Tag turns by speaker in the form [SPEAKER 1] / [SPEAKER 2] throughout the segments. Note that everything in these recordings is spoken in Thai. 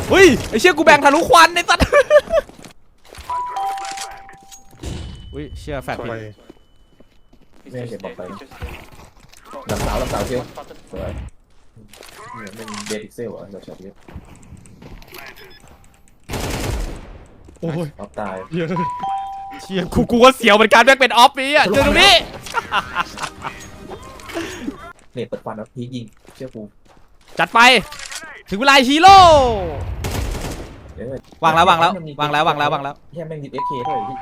[SPEAKER 1] เฮ้ยไอ้เชี่ยกูแบ่งทะลุควันไอ้สัตว์อุ้ยเชี่ยแฟดผิด
[SPEAKER 2] ไม่เก็บบอกไปลำสาวเชียวสวยเนี่ยเป็นเดดิกเซลอ่ะเราชอบเยอะ
[SPEAKER 3] โอ้ย
[SPEAKER 2] ออฟตาย
[SPEAKER 3] เยอะ
[SPEAKER 1] เชี่ยกูก็เสียวเหมือนกันแม่งเป็นออฟนี่อ่ะเจอตรงนี้
[SPEAKER 2] เนี่ยเปิดฟันแล้วพียิงเชื่อกู
[SPEAKER 1] จัดไปถึงเวลาฮีโร่วางแล้ว
[SPEAKER 2] เฮียแม่งดิบเอฟเคด้วยพี่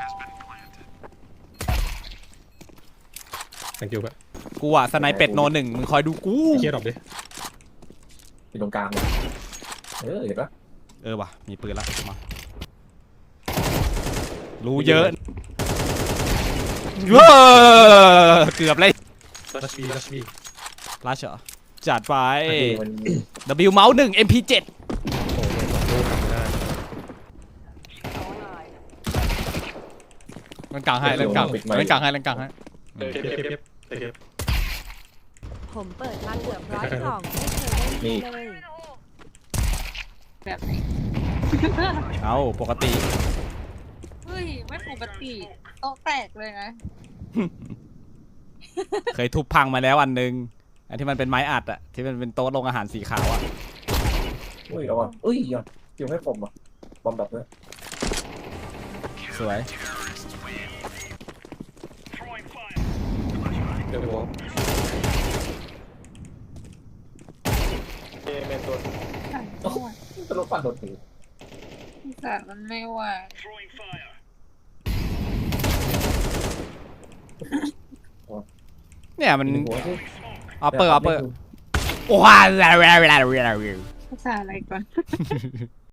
[SPEAKER 3] thank you แบบ
[SPEAKER 1] กูอะสไนเป็ดโนหนึ่งมึงคอยดูกู
[SPEAKER 3] เคลียร์ดรอปดิ
[SPEAKER 2] อยู่ตรงกลางเลยเห็นปะ
[SPEAKER 1] เออว่ะมีปืนแล้วมารู้เยอะเกือบเลย
[SPEAKER 3] ลัชบี
[SPEAKER 1] ลัชเหรอจัดไป
[SPEAKER 2] มัน
[SPEAKER 1] W เมาส์1 MP7
[SPEAKER 3] โอ้ย2ลูกทำไม่ได้
[SPEAKER 1] เล่นกลางให้เล่นกลางให้
[SPEAKER 3] เก็บ
[SPEAKER 4] ผมเปิดมาเกือบ100 กล่องไม่เคยได้เลย
[SPEAKER 5] แบบไหน
[SPEAKER 1] เอาปกติ
[SPEAKER 5] เฮ้ยไม่ปกติโต๊ะแตกเลยนะ
[SPEAKER 1] เคยทุบพังมาแล้วอันนึงอันที่มันเป็นไม้อัดอะที่มันเป็นโต๊ะลงอาหารสีขาวอะ
[SPEAKER 2] อุ้ยเอาอ่ะอุ้ยยอดเกี่ยวให้ผมอ่ะบอมดับเลย
[SPEAKER 1] สวย
[SPEAKER 3] เดี๋ยวผม
[SPEAKER 2] ตลกฟันโดนถือ
[SPEAKER 5] สารมันไม่ไหว
[SPEAKER 1] เนี่ยมัน
[SPEAKER 2] หัวที่
[SPEAKER 1] ออปเปอร์โอ้ย
[SPEAKER 5] ภาษาอะไรก่อน